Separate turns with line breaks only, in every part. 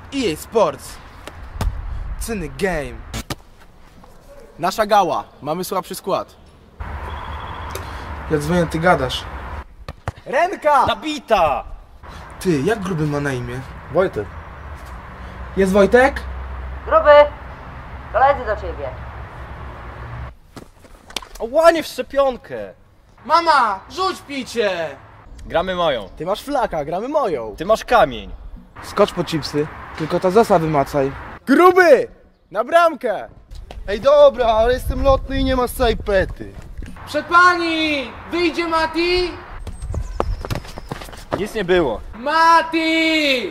EA Sports. Cyny game.
Nasza gała. Mamy słabszy skład.
Ja dzwonię, ty gadasz.
Ręka!
Nabita!
Ty, jak Gruby ma na imię?
Wojtek.
Jest Wojtek?
Gruby! Koledzy do ciebie.
O, łanie w szczepionkę!
Mama, rzuć picie!
Gramy moją.
Ty masz flaka, gramy moją.
Ty masz kamień.
Skocz po chipsy, tylko ta zasa wymacaj.
Gruby! Na bramkę!
Ej dobra, ale jestem lotny i nie ma sajpety.
Przed pani! Wyjdzie Mati!
Nic nie było.
Mati!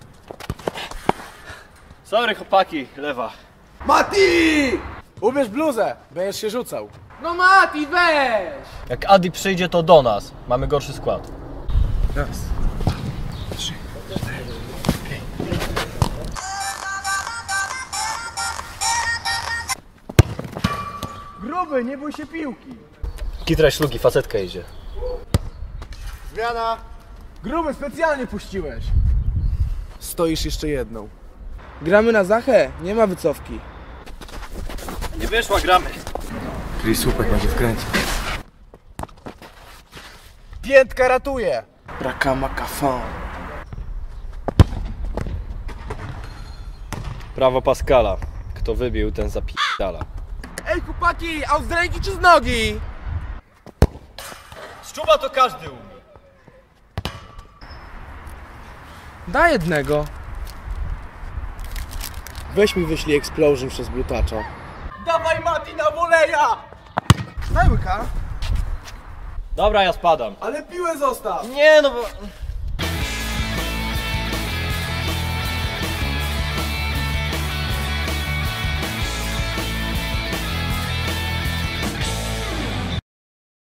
Sorry chłopaki, lewa.
Mati! Ubierz bluzę, będziesz się rzucał.
No Mati, weź!
Jak Adi przyjdzie, to do nas. Mamy gorszy skład.
Raz, 3, 4, 5.
Gruby, nie bój się piłki.
Kitra ślugi, facetka idzie.
Zmiana.
Gruby, specjalnie puściłeś. Stoisz jeszcze jedną.
Gramy na Zachę, nie ma wycofki.
Nie wyszła, gramy.
Czyli słupek będzie wkręcić.
Piętka ratuje.
Brakama kafon.
Prawo Pascala. Kto wybił, ten zapi***ala.
Ej chłopaki, a z ręki czy z nogi?
Z czuba to każdy umie.
Daj jednego.
Weź mi wyślij explosion przez blutacza.
Dawaj Mati na woleja! Daj łyka.
Dobra, ja spadam.
Ale piłę zostaw!
Nie no bo...